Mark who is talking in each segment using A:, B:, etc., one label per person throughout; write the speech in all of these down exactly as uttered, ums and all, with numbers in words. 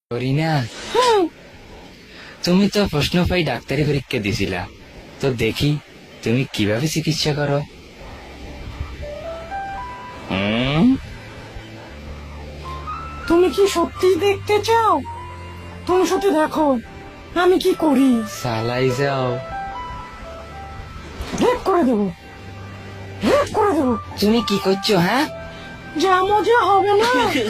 A: করিনা, তুমি তো প্রশ্ন পাই ডাক্তারি পরীক্ষা দিছিলা, তো দেখি তুমি কিভাবে চিকিৎসা করো। হুম,
B: তুমি কি সত্যি দেখতে চাও? তুমি সত্যি দেখো আমি কি করি।
A: সালাই যাও।
B: রেপ করে দেবো, রেপ করে দেবো।
A: তুমি কি করছো? হ্যাঁ,
B: যা মজা হবে না।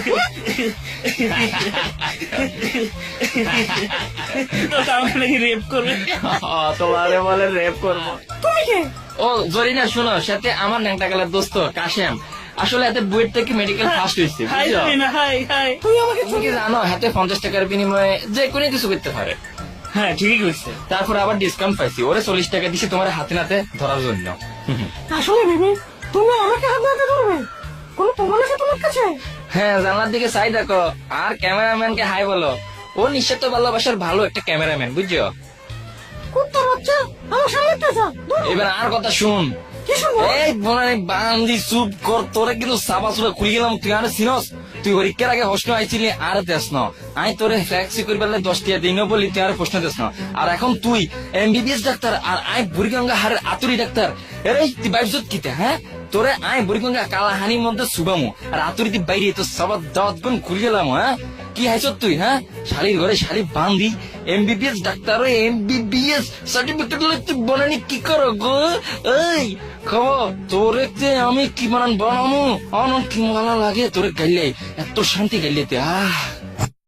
C: রেপ করবে?
A: তোমারে বলে রেপ করবো।
B: তুমি কে?
A: ও জরিনা, শোনো, সাথে আমার ন্যাংটা গেলার দোস্ত কাশেম। আসলে এতে বুয়েট থেকে মেডিকেল ফার্স্ট হয়েছে,
C: হাই
A: বুঝছো?
C: না, হাই হাই।
B: তুমি আমাকে
A: তুমি কি জানো হাতে পঞ্চাশ টাকার বিনিময়ে যে কোনো কিছু করতে পারে।
C: হ্যাঁ ঠিকই কইছে।
A: তারপর আবার ডিসকাউন্ট পাইছি, ওরে চল্লিশ টাকা দিছি তোমার হাতে নাতে ধরার জন্য।
B: আসলে ভেবে তুমি আমাকে হাত নাতে ধরবে? কোনো প্রমাণ আছে তোমার কাছে?
A: হ্যাঁ, জানলার দিকে চাই দেখো, আর ক্যামেরাম্যানকে হাই বলো। ও নিঃস্বার্থ ভালোবাসার ভালো একটা ক্যামেরাম্যান, বুঝছো?
B: কুত্তার বাচ্চা আমার সামনে পেঁচা।
A: এবার আর কথা শুন।
B: কি শুনবো?
A: এই বোনানি বান্দি চুপ কর, তোরে কিন্তু সাবা সুবা খুলি গেলাম। তুই আর সিনস, তুই পরীক্ষার আগে প্রশ্ন আইছিলি আর দেশ ন। আমি তোরে ফ্ল্যাক্সি করি পারলে দশ টিয়া দিন বলি, তুই আর প্রশ্ন দেশ না। আর এখন তুই এমবিবিএস ডাক্তার আর আই বুড়িগঙ্গা হারের আতুরি ডাক্তার। এরে তুই বাইশত কিতে? হ্যাঁ, তোরে আই বুড়িগঙ্গা কালাহানির মধ্যে সুবামু আর আতুরিতে বাইরে তো সবার দাওয়াত গুণ খুলি গেলাম। হ্যাঁ, কি হাইছ তুই? হ্যাঁ, শালির ঘরে শালি বান্ধি এমবিবিএস ডাক্তার এমবিবিএস সার্টিফিকেট লই তুই বনানি কি করো গো? এই খবর তোরে তে আমি কি বানান বানামু, অন কি ভালো লাগে তোরে গাইলে, এত শান্তি গাইলে তে। আহ